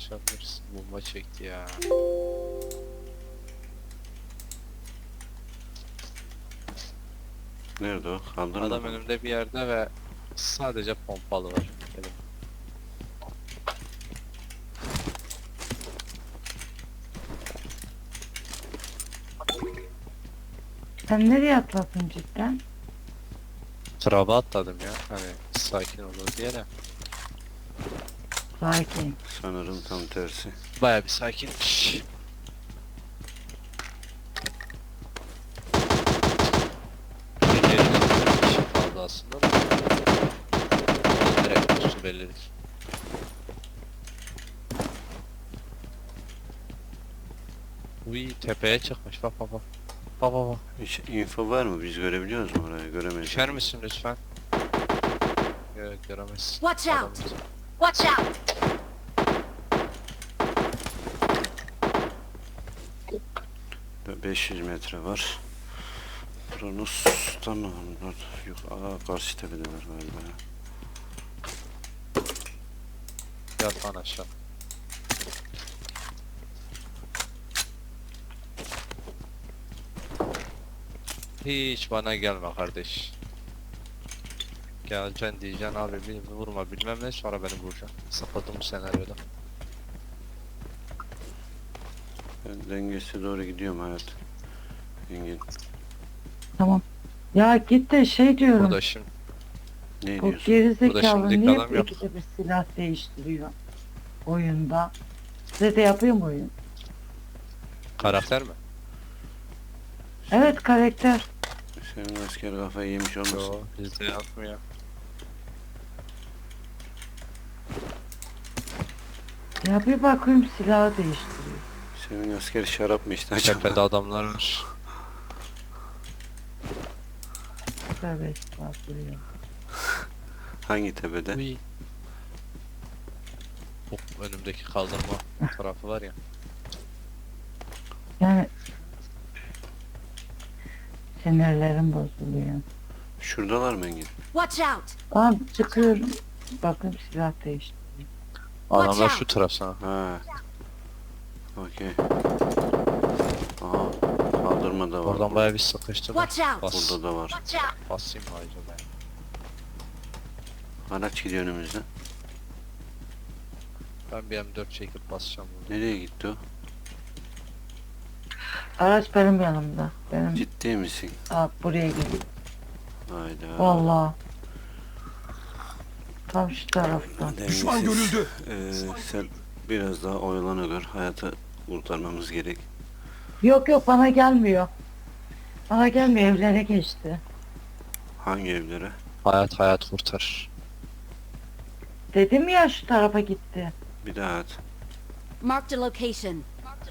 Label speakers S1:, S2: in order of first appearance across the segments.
S1: konuşabiliriz. Bomba çekti ya.
S2: Nerede o? Kaldırmadı
S1: Adam
S2: mı?
S1: önümde bir yerde ve sadece pompalı var. Dedim.
S3: Sen nereye atladın cidden?
S1: Traba atladım ya. Hani sakin olur diye de.
S3: Sakin.
S2: Sanırım tam tersi.
S1: Baya bir sakinmiş. Bir yeri bir şey kaldı aslında da. Orada direkt üstü bellidir. Uy tepeye çıkmış bak bak bak. Bak bak bak.
S2: Hiç info var mı? Biz görebiliyoruz mu orayı? Göremeyiz.
S1: Düşer misin lütfen? Yok göremezsin.
S4: Watch
S1: Adam
S4: out.
S1: bizi-
S4: Watch out!
S2: 500 metre var. Kronos'tan onlar yok. Karşı tepedeler galiba.
S1: Yat lan aşağı. Hiç bana gelme kardeş. Geleceksin diyeceksin abi beni vurma bilmem ne sonra beni vuracaksın. Sapladım bu senaryoda.
S2: Ben dengesi doğru gidiyorum hayat. Engin.
S3: Tamam. Ya git de şey diyorum.
S1: Burada şimdi
S2: Ne
S3: Bu
S2: diyorsun?
S3: gerizekalı
S1: şimdilik
S3: niye
S1: adam yok.
S3: ikide bir silah değiştiriyor oyunda? Size de yapıyor mu oyun?
S1: karakter mi?
S3: Evet karakter.
S2: Senin asker kafayı yemiş olmasın?
S1: Yo bizde yapmıyor.
S3: Ya bir bakayım silahı değiştiriyor.
S2: Senin asker şarap mı işte acaba?
S1: Tepede adamlar var.
S3: Tövbe estağfurullah.
S2: Hangi tepede?
S1: Uy. Bu önümdeki kaldırma tarafı var ya.
S3: Yani sinirlerim bozuluyor.
S2: Şuradalar mı Engin?
S4: Watch out!
S3: Tamam çıkıyorum. Bakın silah değişti.
S1: Adamlar
S4: out.
S1: şu taraf sana.
S2: Ha. Okey. Aha. Kaldırma da var.
S1: Oradan baya bir sıkıştı.
S4: Watch out!
S1: Bas.
S2: Burada da var.
S4: Watch out!
S1: Basayım mı acaba?
S2: Araç gidiyor önümüzden.
S1: Ben bir M4 çekip basacağım bunu.
S2: Nereye gitti o?
S3: Araç benim yanımda. Benim
S2: Ciddi misin?
S3: buraya geliyor.
S2: Hayda.
S3: Vallahi. Tam şu taraftan.
S2: Düşman görüldü. Sen biraz daha oyalana gör. Hayatı kurtarmamız gerek.
S3: Yok yok bana gelmiyor. Bana gelmiyor evlere geçti.
S2: Hangi evlere?
S1: Hayat kurtar.
S3: Dedim ya şu tarafa gitti.
S2: Bir daha at.
S4: Marked a location.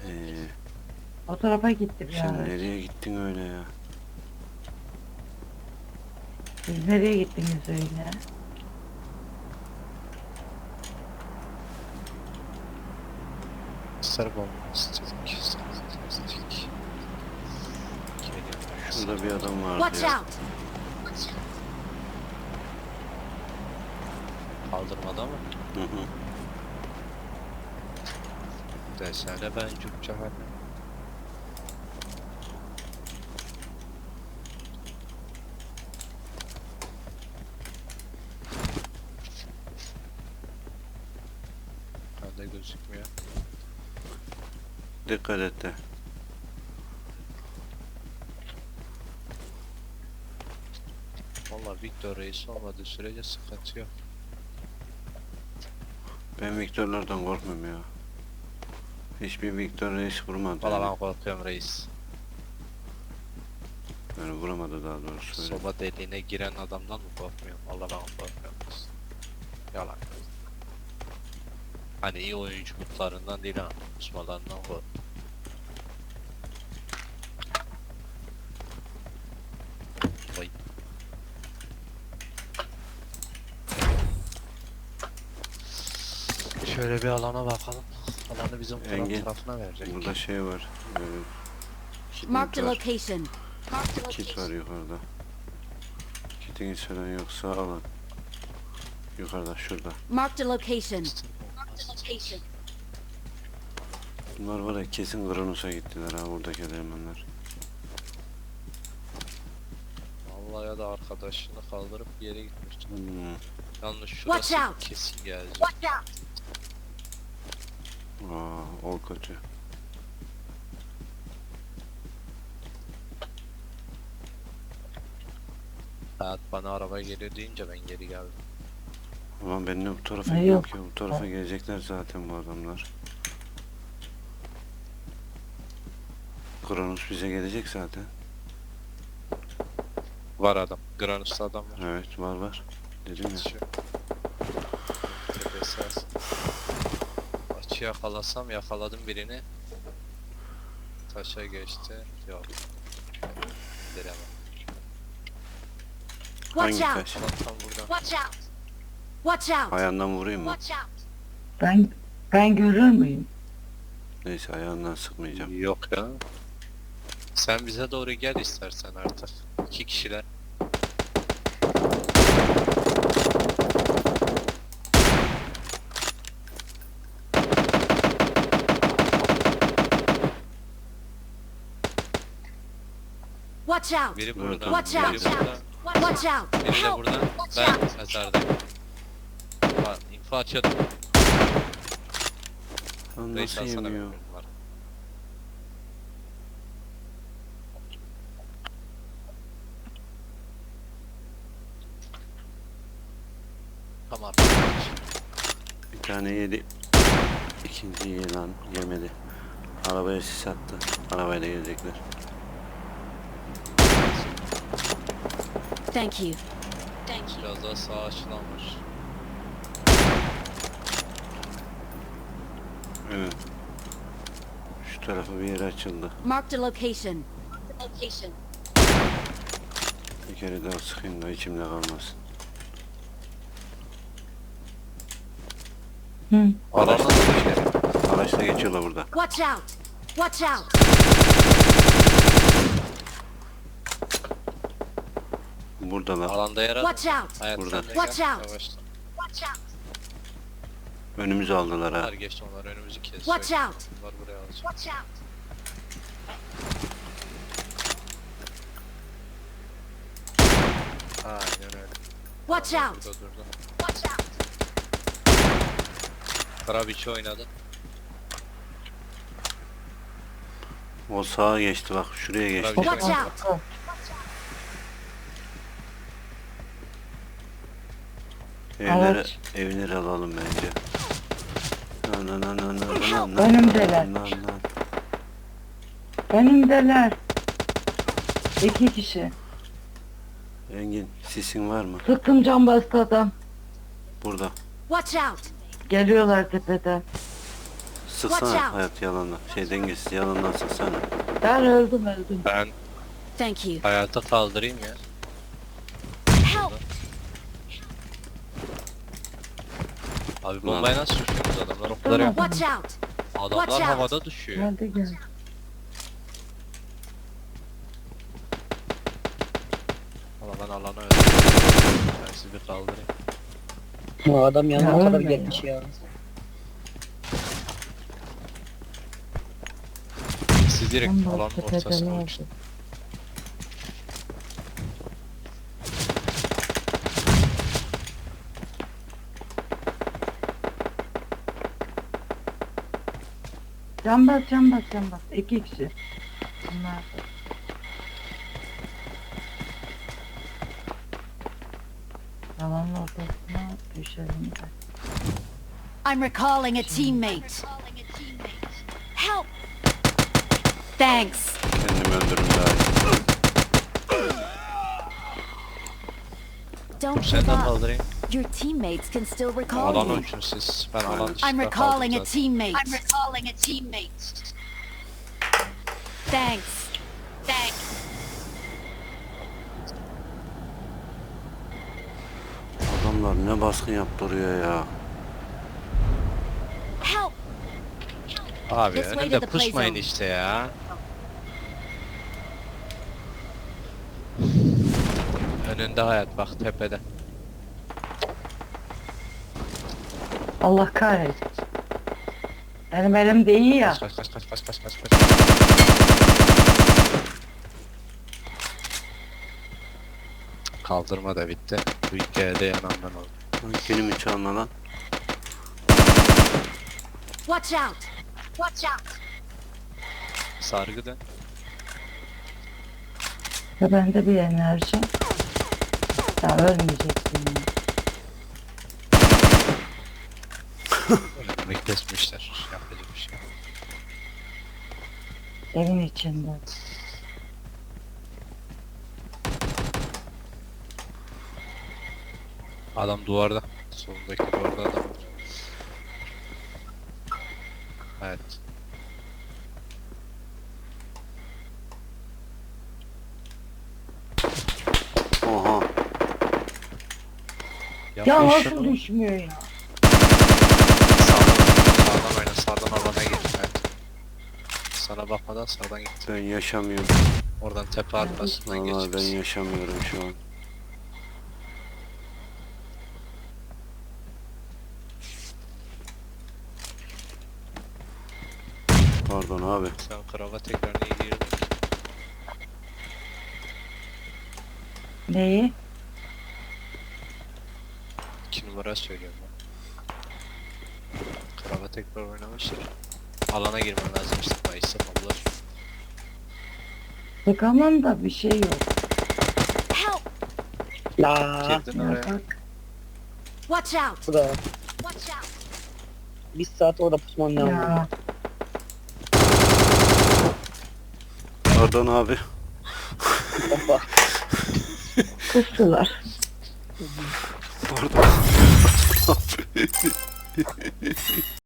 S3: O tarafa gitti bir
S2: Sen
S3: araç.
S2: nereye gittin öyle ya?
S3: Siz nereye gittiniz öyle?
S1: Sarı bomba. Stik.
S2: Şurada bir adam vardı
S4: Watch
S2: ya.
S4: out!
S1: Kaldırmada mı?
S2: Hı hı.
S1: Desene ben Türkçe hani. Bende gözükmüyor.
S2: Dikkat et de.
S1: Valla Victor Reis olmadığı sürece sıkıntı yok.
S2: Ben Viktorlardan korkmuyorum ya. Hiçbir Viktor reis vurmadı.
S1: Valla
S2: yani.
S1: ben korkuyorum reis.
S2: Yani vuramadı daha doğrusu. Öyle.
S1: Soba deliğine giren adamdan mı korkmuyorum? Valla ben korkuyorum. Yalan. Hani iyi oyunculuklarından değil ha. Kusmalarından korkuyorum. Vay. Şöyle bir alana bakalım. Alanı bizim
S2: Engin,
S1: tarafına verecek.
S2: Burada şey var. Kit
S4: Marked a
S2: var.
S4: location. Marked a
S2: Kit var
S4: location.
S2: yukarıda. Kitiniz falan yoksa alın. Yukarıda şurada.
S4: Marked a location. Marked a location.
S2: Bunlar var ya kesin Kronos'a gittiler ha buradaki elemanlar.
S1: Vallahi ya da arkadaşını kaldırıp bir yere gitmiştim. Yalnız
S4: Watch
S1: şurası
S4: out.
S1: kesin gelecek.
S4: Watch out!
S2: O kötü.
S1: Hayat bana araba geliyor deyince ben geri geldim.
S2: Ulan ben de bu tarafa
S3: Ay,
S2: yok
S3: yok.
S2: ya bu tarafa gelecekler zaten bu adamlar. Kronos bize gelecek zaten.
S1: Var adam. Granus'ta adam var.
S2: Evet var. Dedim ya.
S1: Şu tepesi az. Açı yakalasam yakaladım birini. Taşa geçti. Yok. Diremem.
S4: Watch
S2: Hangi
S4: out!
S2: taş?
S1: Adam tam buradan.
S4: Watch out! Watch out!
S2: Ayağından vurayım mı?
S4: Watch out!
S3: Ben görür müyüm?
S2: Neyse ayağından sıkmayacağım.
S1: Yok ya. Sen bize doğru gel istersen artık. 2 kişiler.
S4: Watch out!
S1: Biri
S2: Evet,
S1: burada.
S4: Watch
S1: Biri
S4: out.
S1: burada.
S4: Watch out!
S1: Biri de
S4: Help!
S1: burada.
S4: Watch
S1: Ben
S4: out!
S1: mezardayım. Bak info açıyordum.
S2: Lan
S1: Reis
S2: nasıl
S1: alsana
S2: yemiyor?
S1: benim var. Tamam.
S2: Bir tane yedi. İkinci yılan yemedi. Arabaya sis attı. Arabayla gelecekler.
S4: Thank you. Thank you.
S1: Biraz daha sağa açılanmış.
S2: Evet. Şu tarafa bir yer açıldı.
S4: Marked a location. Location.
S2: Bir kere daha sıkayım da içimde kalmasın.
S3: Hı.
S1: Alana da düşerim.
S2: Araçla geçiyorlar burada.
S4: Watch out! Watch out!
S2: Buradalar.
S1: Alanda yer al.
S4: Watch out!
S1: Hayat
S2: Burada.
S1: sen de
S4: Watch
S1: gel.
S4: out.
S1: Yavaşla.
S4: Watch out!
S2: Önümüzü aldılar ha.
S1: Onlar geçti onlar önümüzü kesiyor.
S4: Watch out!
S1: Bunlar buraya alacak.
S4: Watch out!
S1: Aynen öyle.
S4: Watch
S1: Adamlar
S4: out!
S1: Burada durdu.
S4: Watch out!
S1: Karabiçi oynadı.
S2: O sağa geçti bak şuraya geçti.
S1: Tabii.
S4: Watch out!
S2: Evlere,
S3: Evet.
S2: evleri alalım bence.
S3: Önümdeler. Önümdeler. 2 kişi.
S2: Engin sisin var mı?
S3: Sıktım can bastı adam.
S2: Burada.
S4: Watch out!
S3: Geliyorlar tepeden.
S4: Watch
S2: Sıksana
S4: out.
S2: hayat yalanla. Şey dengesiz yalandan sıksana.
S3: Ben öldüm.
S1: Ben
S4: Thank you.
S1: hayata kaldırayım ya.
S4: Help!
S1: Abi bombayı nasıl düşüyorsunuz adamlar o kadar
S3: Tamam.
S1: yok.
S4: Watch out!
S1: Adamlar
S4: Watch out.
S1: havada düşüyor.
S3: Geldi.
S1: Valla ben alana öldüm. Ben sizi bir kaldırayım.
S5: Bu adam
S3: Ya
S5: yanına kadar
S3: ölme ya.
S5: gelmiş ya.
S1: Siz direkt
S3: Can
S1: alanın
S3: bastı tepeden
S1: ortasına
S3: aldı.
S1: uçtun.
S3: Can bas. 2 kişi. Bunlar. Yalanın ortasına düşelim de.
S4: I'm recalling a teammate. Help! Thanks.
S2: Kendimi öldürürüm daha iyi.
S4: Don't
S1: Sen
S4: give
S1: de
S4: up.
S1: kaldırayım.
S4: Your teammates can still recall
S1: Alana
S4: you.
S1: uçun siz. Ben alan
S2: Aynen.
S1: dışında
S4: I'm
S1: kaldım
S4: recalling a
S1: zaten.
S4: teammate. I'm recalling a teammate. Thanks. Thanks.
S2: Adamlar ne baskın yaptırıyor ya.
S4: Help!
S1: Abi
S4: This way
S1: önümde
S4: to the play
S1: pusmayın
S4: zone.
S1: işte ya. Önünde hayat bak tepede.
S3: Allah kahretsin. Benim elimde iyi ya.
S1: Kaç kaç kaç kaç kaç kaç kaç. Kaldırma da bitti. Bu hikayede yanan ben oldum.
S2: Lan kelimi çalma lan.
S4: Watch out! Watch out!
S1: Sargı dön.
S3: Ve bende bir enerji. Ya ölmeyeceksin ya.
S1: Önüme kesmişler. Yapacak bir şey yok.
S3: Evin içinde.
S1: Adam duvarda. Solundaki duvarda adam var. Evet.
S2: Oha.
S3: Ya
S1: Yapma
S3: nasıl
S1: şunu.
S3: düşmüyor ya?
S1: Sağdan oyna. Sağdan alana gir. Evet. Sana bakmadan sağdan git.
S2: Ben yaşamıyorum.
S1: Oradan tepe arkasından
S2: Vallahi ben
S1: geçeriz.
S2: yaşamıyorum şu an. Pardon abi.
S1: Sen kravat tekrar niye girdin?
S3: Neyi?
S1: 2 numara söylüyorum ben. Kravat tekrar oynamıştır. Alana girmen lazım işte. Mayıs'ta ablalar.
S3: Sıkamam da bir şey yok.
S4: Help!
S5: La
S1: Girdin
S3: Ya
S1: oraya.
S3: bak.
S4: Watch out!
S5: bu da
S4: Watch out!
S5: bir saat orada pusmam lazım.
S3: Ya.
S2: Pardon abi.
S5: Baba.
S3: Kustular.
S2: Pardon.